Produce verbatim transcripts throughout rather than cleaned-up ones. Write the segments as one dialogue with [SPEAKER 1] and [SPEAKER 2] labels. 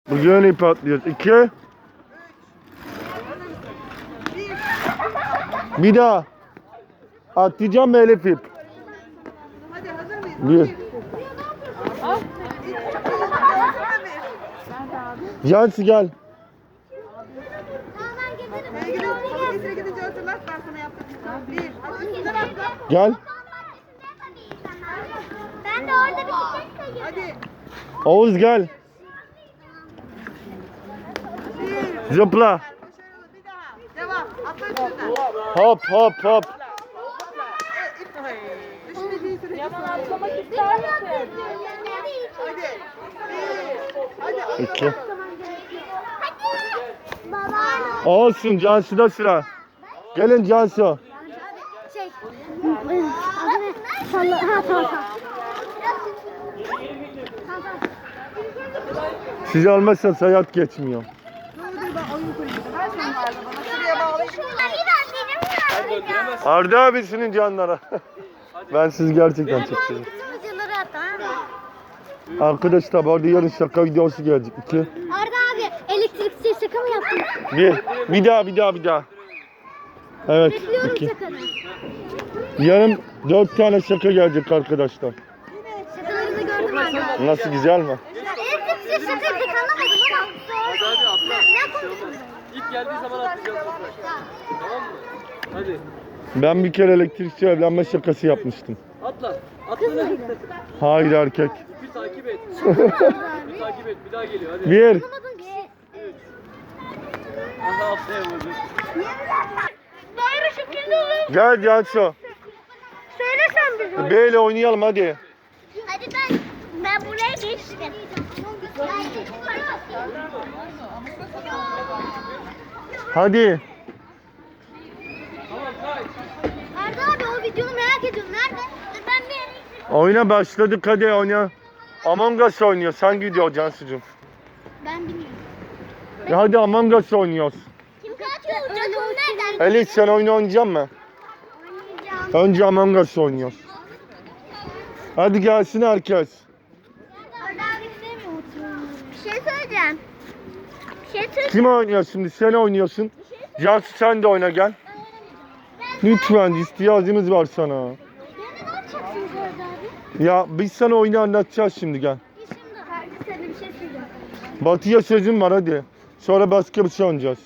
[SPEAKER 1] Bugün ip atlıyoruz. İki. Bir daha. Atlayacağım mı Elif ip?
[SPEAKER 2] Hadi hazır mıyız?
[SPEAKER 1] Bir. Yansı gel.
[SPEAKER 2] Getir gidince hatırlat ben sana yaptıracağım. Bir. Hadi üstünden atla.
[SPEAKER 1] Gel.
[SPEAKER 3] Ben de orada bir çiçek sayıyorum.
[SPEAKER 2] Hadi.
[SPEAKER 1] Oğuz gel.
[SPEAKER 2] Bir.
[SPEAKER 1] Zıpla.
[SPEAKER 2] Başarılı. Bir daha. Devam. Atla üstünden.
[SPEAKER 1] Hop hop hop.
[SPEAKER 2] Düşünce değil süreci.
[SPEAKER 4] Yaman atlamak ister misin?
[SPEAKER 2] Hadi. Bir. Hadi atla.
[SPEAKER 1] İki.
[SPEAKER 3] Baba.
[SPEAKER 1] Olsun Cansu'da sıra. Gelin Cansu.
[SPEAKER 3] Şey. Adı ne? Salla. Ha tamam tamam.
[SPEAKER 1] Siz olmazsanız hayat geçmiyor.
[SPEAKER 2] Ne olur ben oyun kulübüydüm. Her şeyim vardı bana. Şuraya bağlayayım.
[SPEAKER 3] Bir benim var.
[SPEAKER 1] Arda abisinin canlara. Ben siz gerçekten çok seviyorum.
[SPEAKER 3] Bütün videoları at tamam mı?
[SPEAKER 1] Arkadaşlar bu arada yarın şaka videosu gelecek. İki.
[SPEAKER 3] Arda abi elektrikçi şaka mı yaptın?
[SPEAKER 1] Bir. Bir daha bir daha bir daha. Evet.
[SPEAKER 3] Bekliyorum
[SPEAKER 1] iki.
[SPEAKER 3] şakanı.
[SPEAKER 1] Yarın dört tane şaka gelecek arkadaşlar.
[SPEAKER 3] Şakalarını gördüm Arda abi.
[SPEAKER 1] Nasıl, güzel mi?
[SPEAKER 3] Elektrikçi şakayı pek anlamadım ama.
[SPEAKER 4] Hadi hadi atla.
[SPEAKER 3] Ne
[SPEAKER 4] Bir şey olmaz. İlk geldiği zaman atlayacağız toprak. Tamam mı? Hadi.
[SPEAKER 1] Ben bir kere elektrikçi evlenme şakası yapmıştım.
[SPEAKER 4] Atla. Atla lan.
[SPEAKER 1] Hayır, erkek.
[SPEAKER 4] Bir takip et. Bir takip et. Bir daha geliyor hadi.
[SPEAKER 1] Bir.
[SPEAKER 3] Anlamadığım kişi.
[SPEAKER 4] Aha atlayamadı.
[SPEAKER 3] Böyle şekilde oluyor.
[SPEAKER 1] Gel Cansu.
[SPEAKER 3] Söylesen bize.
[SPEAKER 1] Böyle oynayalım hadi.
[SPEAKER 3] Hadi ben ben buraya geçtim.
[SPEAKER 1] Hadi.
[SPEAKER 4] Tamam kay.
[SPEAKER 3] Arda abi o videonu merak ediyorum. Nerede? Ben bir
[SPEAKER 1] Oyuna başladık, hadi oyna. Among Us oynuyor. Sen gidiyor Cansu'cum.
[SPEAKER 3] Ben bilmiyorum.
[SPEAKER 1] Ya hadi Among Us oynuyoruz.
[SPEAKER 3] Kim katil olacak onu nereden?
[SPEAKER 1] Elif sen oyunu oynayacak mısın?
[SPEAKER 3] Oynayacağım.
[SPEAKER 1] Önce Among Us oynuyoruz. Hadi gelsin herkes.
[SPEAKER 3] Arda abi istemiyor Bir şey söyleyeceğim. Bir şey söyleyeceğim.
[SPEAKER 1] Kim oynuyor şimdi? Sen oynuyorsun. Cansu sen de oyna gel. Lütfen, ihtiyacımız var sana.
[SPEAKER 3] Yani ne yapacaksınız Arda abi?
[SPEAKER 1] Ya biz sana oyunu anlatacağız şimdi, gel.
[SPEAKER 3] Biz şimdi herkese bir şey söyleyeceğim.
[SPEAKER 1] Batı'ya sözüm var hadi. Sonra başka bir şey oynayacağız.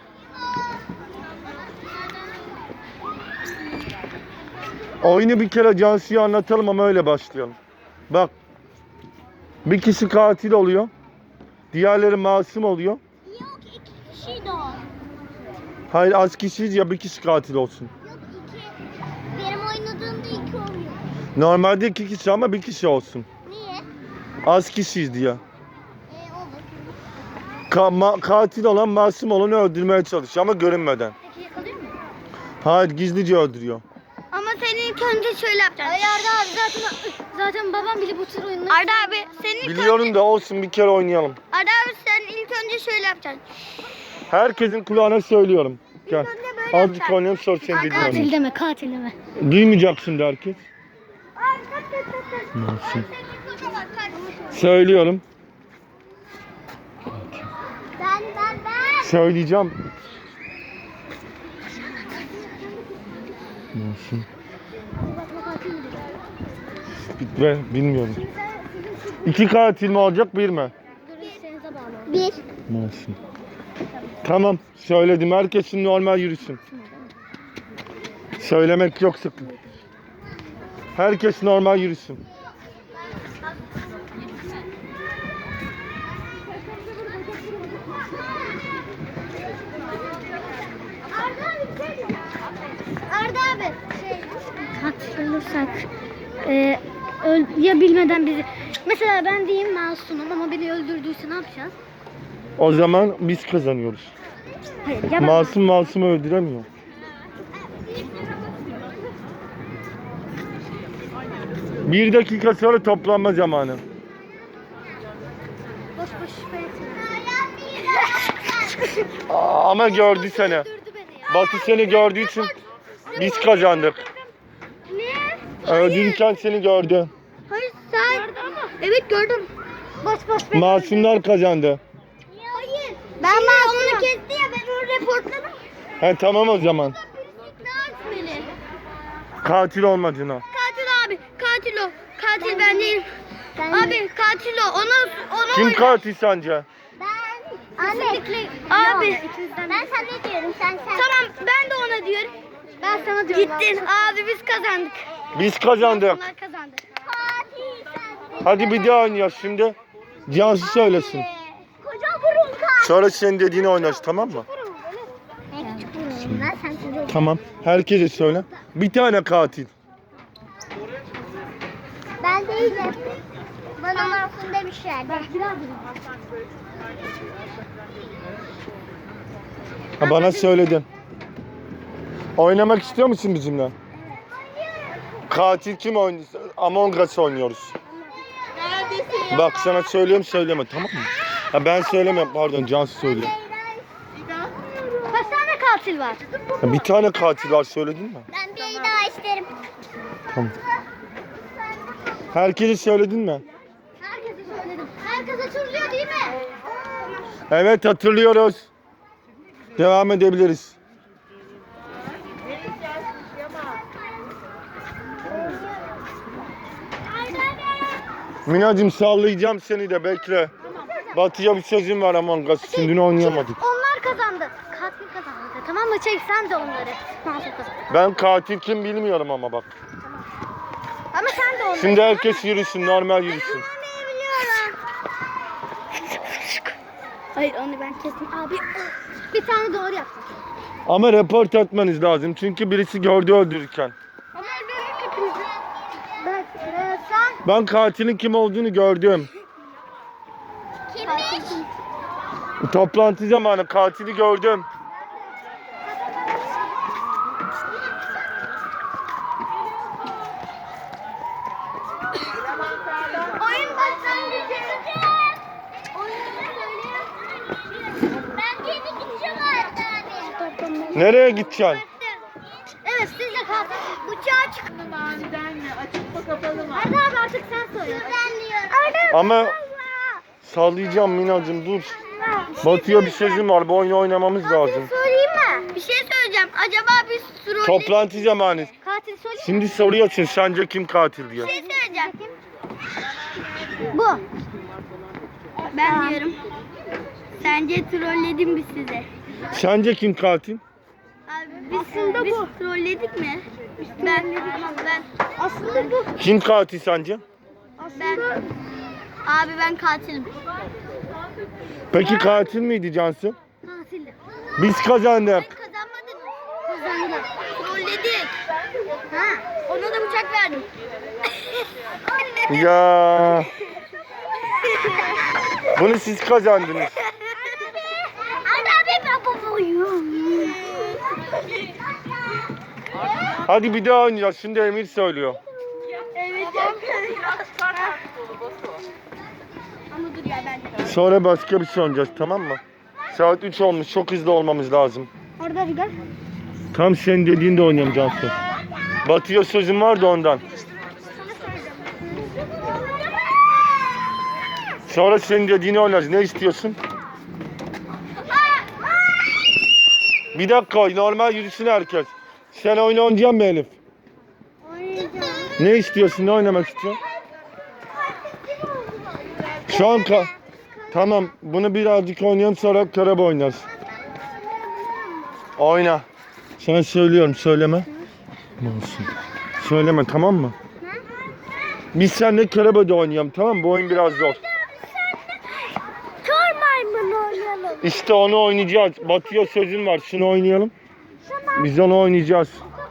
[SPEAKER 1] Oyunu bir kere Cansu'ya anlatalım ama öyle başlayalım. Bak. Bir kişi katil oluyor. Diğerleri masum oluyor.
[SPEAKER 3] Yok iki kişiydi o.
[SPEAKER 1] Hayır, az kişiyiz ya, bir kişi katil olsun.
[SPEAKER 3] Yok iki. Benim oynadığımda iki oluyor.
[SPEAKER 1] Normalde iki kişi ama bir kişi olsun.
[SPEAKER 3] Niye?
[SPEAKER 1] Az kişiyiz diye.
[SPEAKER 3] Ee, olur.
[SPEAKER 1] Ka- ma- katil olan masum olanı öldürmeye çalışıyor ama görünmeden.
[SPEAKER 3] Peki yakalıyor mu?
[SPEAKER 1] Hayır, gizlice öldürüyor.
[SPEAKER 3] Ama senin ilk önce şöyle yapacaksın. Ay Arda abi zaten zaten babam bile bu tür oyunları. Arda abi senin ilk
[SPEAKER 1] Biliyorum
[SPEAKER 3] önce...
[SPEAKER 1] da olsun, bir kere oynayalım.
[SPEAKER 3] Arda abi sen ilk önce şöyle yapacaksın.
[SPEAKER 1] Herkesin kulağına söylüyorum. Gel.
[SPEAKER 3] önce böyle
[SPEAKER 1] Azıcık
[SPEAKER 3] yapacaksın.
[SPEAKER 1] oynayalım, sonra seni
[SPEAKER 3] Katil
[SPEAKER 1] dinleyelim.
[SPEAKER 3] deme katil deme.
[SPEAKER 1] Duymayacaksın da herkes. Masum. Söylüyorum.
[SPEAKER 3] Ben ben ben.
[SPEAKER 1] Söyleyeceğim. Masum. Be, bilmiyorum. İki katil mi olacak, bir mi?
[SPEAKER 3] Bir.
[SPEAKER 1] Masum. Tamam, söyledim. Herkes şimdi normal yürüsün. Söylemek yok sakın. Herkes normal yürüsün.
[SPEAKER 3] Arda abi şey katil olursak e, öl, ya bilmeden bizi mesela ben diyeyim masumum ama beni öldürdüyse ne yapacağız?
[SPEAKER 1] O zaman biz kazanıyoruz.
[SPEAKER 3] Hayır ya ben
[SPEAKER 1] Masum masumu öldüremiyor. Bir dakika sonra toplanma zamanı.
[SPEAKER 3] boş boş şüphe etme.
[SPEAKER 1] Aa, ama gördü seni.
[SPEAKER 3] Öldürdü beni ya.
[SPEAKER 1] Batı seni gördüğü için biz kazandık.
[SPEAKER 3] Ne?
[SPEAKER 1] Öldürürken seni gördü.
[SPEAKER 3] Hayır sen. Evet gördüm. Boş boş.
[SPEAKER 1] Masumlar kazandı.
[SPEAKER 3] Ben Masum'u kesti ya, ben onu reportladım.
[SPEAKER 1] He tamam o zaman.
[SPEAKER 3] Ne yapmalı?
[SPEAKER 1] Katil olmadığına.
[SPEAKER 3] Katil abi, katil o. Katil ben değilim. Abi katil o. Onu onu
[SPEAKER 1] Kim
[SPEAKER 3] oyna.
[SPEAKER 1] katil sence?
[SPEAKER 3] Ben anne. Abi. Ben sana diyorum, sen sen. Tamam, ben de ona diyorum. Ben sana diyorum. Gittin abi, biz kazandık.
[SPEAKER 1] Biz kazandık.
[SPEAKER 3] Onlar kazandı. Katil sensin.
[SPEAKER 1] Hadi bir daha oynayacağız şimdi. Cansu söylesin.
[SPEAKER 3] Koca burun katil.
[SPEAKER 1] Sonra senin dediğini oynarız, tamam mı?
[SPEAKER 3] Ben küçük burun. Ben sen size.
[SPEAKER 1] Tamam. Herkese söyle. Bir tane katil.
[SPEAKER 3] Ben değilim. Bana Masum demişlerdi.
[SPEAKER 1] Ha, bana söyledin. Oynamak istiyor musun bizimle? Katil kim oynuyor? Among Us oynuyoruz.
[SPEAKER 2] Neredesin?
[SPEAKER 1] Bak sana söylüyorum, söyleme, tamam mı? Ha, ben söylemiyorum, pardon, Cansu söylüyor.
[SPEAKER 3] Kaç tane katil var?
[SPEAKER 1] Ha, bir tane katil var, söyledin mi?
[SPEAKER 3] Ben bir daha isterim.
[SPEAKER 1] Tamam. Herkese söyledin mi?
[SPEAKER 3] Herkese söyledim. Herkes hatırlıyor değil mi?
[SPEAKER 1] Evet, hatırlıyoruz. Devam edebiliriz. Minacığım sallayacağım seni de, bekle. Batı'ya bir sözüm var Among Us için, dün oynayamadık.
[SPEAKER 3] Onlar kazandı. Katil kazandı. Tamam mı? Çek sen de onları. Masum kazandı.
[SPEAKER 1] Ben katil kim bilmiyorum ama bak.
[SPEAKER 3] Ama sen de onları.
[SPEAKER 1] Şimdi herkes yürüsün, normal yürüsün.
[SPEAKER 3] Biliyorum. Hayır, onu ben kestim. Abi bir tane doğru yaptım.
[SPEAKER 1] Ama report etmeniz lazım çünkü birisi gördü öldürürken.
[SPEAKER 3] Ama öldürdük hepinizi. Ben, e, sen
[SPEAKER 1] Ben katilin kim olduğunu gördüm.
[SPEAKER 3] kimmiş?
[SPEAKER 1] Toplantı zamanı katili gördüm.
[SPEAKER 3] Oyun başlangıcı. Oyunu söylüyorum. Ben kendi gideceğim abi.
[SPEAKER 1] Nereye gideceksin?
[SPEAKER 3] Evet, siz de katil. Bıçağı çık.
[SPEAKER 2] Maniden mi? Açık mı kapalı mı?
[SPEAKER 3] Arda abi artık sen söyle. Ben diyorum. Arda
[SPEAKER 1] Ama sallayacağım Minacığım, dur. Batı'ya bir sözüm var, bu oyunu oynamamız lazım.
[SPEAKER 3] söyleyeyim mi? Bir şey söyleyeceğim. Acaba biz troll...
[SPEAKER 1] Toplantı zamanı.
[SPEAKER 3] Katil söyleyeyim mi?
[SPEAKER 1] Şimdi soruyorsun sence kim katil diye.
[SPEAKER 3] Bir şey söyleyeceğim. Bu. Ben diyorum. Sence trolledim mi size?
[SPEAKER 1] Sence kim katil?
[SPEAKER 3] Abi biz, aslında biz bu. trolledik mi? Ben, ben. Aslında bu.
[SPEAKER 1] Kim katil sence?
[SPEAKER 3] Ben. Abi ben katilim.
[SPEAKER 1] Peki katil miydi Cansu?
[SPEAKER 3] Katilim.
[SPEAKER 1] Biz kazandık.
[SPEAKER 3] Kazanmadın mı? Kazandık. Trolledik. Ha, ona da bıçak verdim.
[SPEAKER 1] Ya. Bunu siz kazandınız.
[SPEAKER 3] Arda abi ben babayım.
[SPEAKER 1] Hadi bir daha oynayacağız. Şimdi Emir söylüyor.
[SPEAKER 3] Evet. Ama dur ya ben.
[SPEAKER 1] Sonra başka bir şey oynayacağız, tamam mı? Saat üç olmuş. Çok hızlı olmamız lazım.
[SPEAKER 3] Orada bir gel.
[SPEAKER 1] Tam senin dediğinde oynayalım Cansu. Batı'ya sözüm var da ondan. Sonra senin dediğini oynarız. Ne istiyorsun? Bir dakika, normal yürüsün herkes. Sen oyun oynayacaksın mı Elif?
[SPEAKER 3] Oynayacağım.
[SPEAKER 1] Ne istiyorsun? Ne oynamak istiyorsun? Şu an ka- Tamam, bunu birazcık oynayalım, sonra körebe oynarız. Oyna. Sana söylüyorum, söyleme. Olsun. Söyleme, tamam mı? Biz seninle körebe de oynayalım, tamam mı? Bu oyun biraz zor.
[SPEAKER 3] Kör maymun oynayalım.
[SPEAKER 1] İşte onu oynayacağız. Batı'ya sözün var, şunu oynayalım. Biz onu oynayacağız.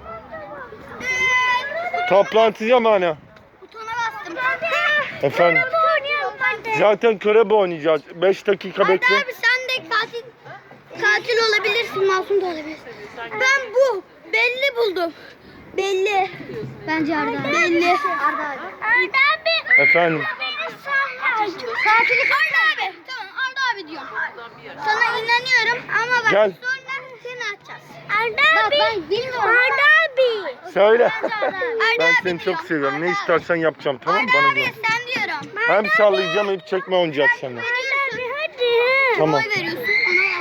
[SPEAKER 1] Toplantı zamanı.
[SPEAKER 3] Butona bastım.
[SPEAKER 1] Efendim?
[SPEAKER 3] Oynayalım ben de.
[SPEAKER 1] Zaten körebe oynayacağız. beş dakika
[SPEAKER 3] Arda
[SPEAKER 1] bekle.
[SPEAKER 3] abi sen de katil katil olabilirsin, masum da olabilirsin. Ben bu belli buldum. Belli. Bence Arda abi. Belli. Arda abi. Arda abi.
[SPEAKER 1] Efendim?
[SPEAKER 3] Katili Arda abi. Tamam Arda abi diyorum. Sana inanıyorum ama bak
[SPEAKER 1] Gel.
[SPEAKER 3] sonra seni atacağız. Arda abi. Bak ben bilmiyorum. Arda abi.
[SPEAKER 1] Söyle.
[SPEAKER 3] Arda
[SPEAKER 1] Ben
[SPEAKER 3] abi
[SPEAKER 1] seni çok
[SPEAKER 3] diyorum.
[SPEAKER 1] seviyorum. Ne
[SPEAKER 3] Arda
[SPEAKER 1] istersen yapacağım, tamam mı?
[SPEAKER 3] Arda
[SPEAKER 1] Bana
[SPEAKER 3] abi
[SPEAKER 1] güven.
[SPEAKER 3] sen diyorum.
[SPEAKER 1] Hem sallayacağım, hem çekme oynayacağız seninle.
[SPEAKER 3] Arda abi hadi.
[SPEAKER 1] Tamam.
[SPEAKER 3] Oy veriyorsun. Ona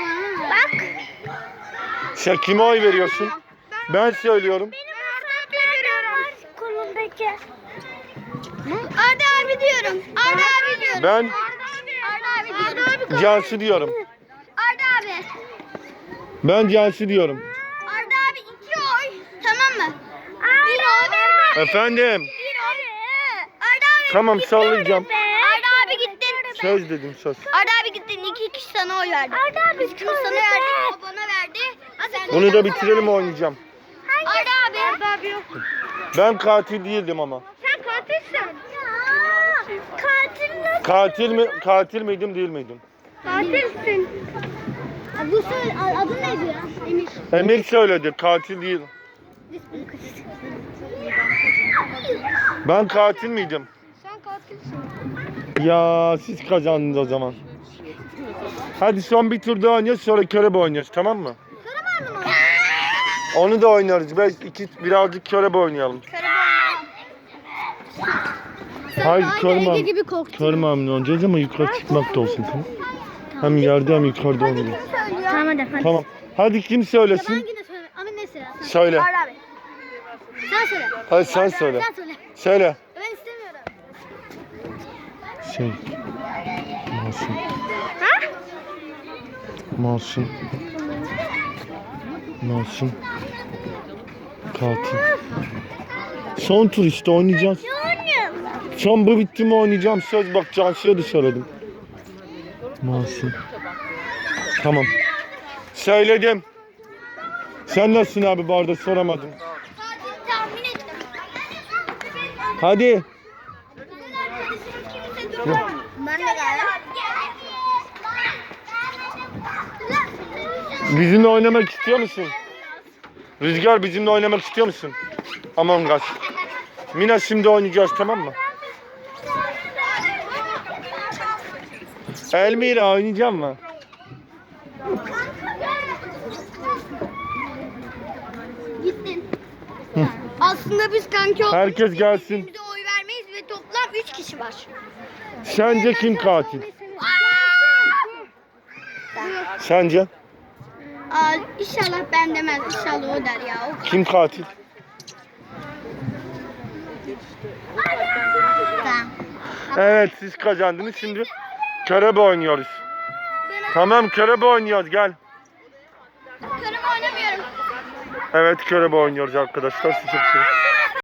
[SPEAKER 1] Sen kime oy veriyorsun? Ben söylüyorum.
[SPEAKER 3] Kolundaki. Arda abi diyorum. Arda abi diyorum.
[SPEAKER 1] Ben
[SPEAKER 3] Arda abi diyorum.
[SPEAKER 1] Cansu diyorum.
[SPEAKER 3] Arda abi.
[SPEAKER 1] Ben Cansu diyorum.
[SPEAKER 3] Arda abi iki oy. Tamam mı? Bir oy.
[SPEAKER 1] Efendim.
[SPEAKER 3] Bir oy. Arda abi.
[SPEAKER 1] Tamam sallayacağım.
[SPEAKER 3] Arda abi gittin.
[SPEAKER 1] Söz dedim söz.
[SPEAKER 3] Arda abi gittin. İki kişi sana oy verdi. Arda abi ikimiz sana verdik. O bana verdi. Sen
[SPEAKER 1] Bunu da bitirelim oynayacağım.
[SPEAKER 3] Arda abi. Arda abi yok.
[SPEAKER 1] Ben katil değildim ama.
[SPEAKER 3] Sen katilsin. Katil nasıl?
[SPEAKER 1] Katil mi? Katil miydim değil miydim?
[SPEAKER 3] Katilsin. Bu söyle, adın neydi ya? Emir.
[SPEAKER 1] Emir söyledi katil değil. Ben katil miydim?
[SPEAKER 3] Sen katilsin.
[SPEAKER 1] Ya siz kazandınız o zaman. Hadi son bir tur daha oynuyoruz sonra körebe oynuyoruz tamam mı?
[SPEAKER 3] Karaman mı?
[SPEAKER 1] Onu da oynarız. Ben iki birazcık körebe oynayalım. Hayır körme.
[SPEAKER 3] gibi korktun.
[SPEAKER 1] Körme hamle oynayacağız ama yukarı çıkmak da olsun tamam. Hem yerde hem yukarıda oynayalım.
[SPEAKER 3] Tamam hadi. hadi.
[SPEAKER 1] Tamam. Hadi kim söylesin?
[SPEAKER 3] Hangine söyle? Ama ne söyle?
[SPEAKER 1] Söyle.
[SPEAKER 3] Arda abi. Sen söyle.
[SPEAKER 1] Hadi sen söyle.
[SPEAKER 3] Sen söyle.
[SPEAKER 1] Söyle.
[SPEAKER 3] Ben istemiyorum.
[SPEAKER 1] Şey. Masum.
[SPEAKER 3] Ha?
[SPEAKER 1] Masum. Masum. Katil. Son tur işte oynayacağız.
[SPEAKER 3] Annem.
[SPEAKER 1] Son bu bitti mi oynayacağım söz bak Cansu'ya da söyledim. Masum. Tamam. Söyledim. Sen nasılsın abi bu arada soramadım.
[SPEAKER 3] Katil tahmin ettim.
[SPEAKER 1] Hadi.
[SPEAKER 3] Ben de geldim.
[SPEAKER 1] Bizimle oynamak istiyor musun? Rüzgar bizimle oynamak istiyor musun? Among Us. Mina şimdi oynayacağız tamam mı? Elmira oynayacağım mı?
[SPEAKER 3] Gittin.
[SPEAKER 1] Hı.
[SPEAKER 3] Aslında biz kanki olduğumuz
[SPEAKER 1] Herkes gelsin.
[SPEAKER 3] birbirimize oy vermeyiz ve toplam üç kişi var.
[SPEAKER 1] Sence kim katil? Sence?
[SPEAKER 3] Aa, inşallah ben demez. İnşallah o der ya. O
[SPEAKER 1] Kim katil?
[SPEAKER 3] Tamam.
[SPEAKER 1] Evet siz kazandınız şimdi körebe oynuyoruz. Tamam körebe oynuyoruz gel.
[SPEAKER 3] Körüm oynamıyorum.
[SPEAKER 1] Evet körebe oynuyoruz arkadaşlar siz çok seviyorum.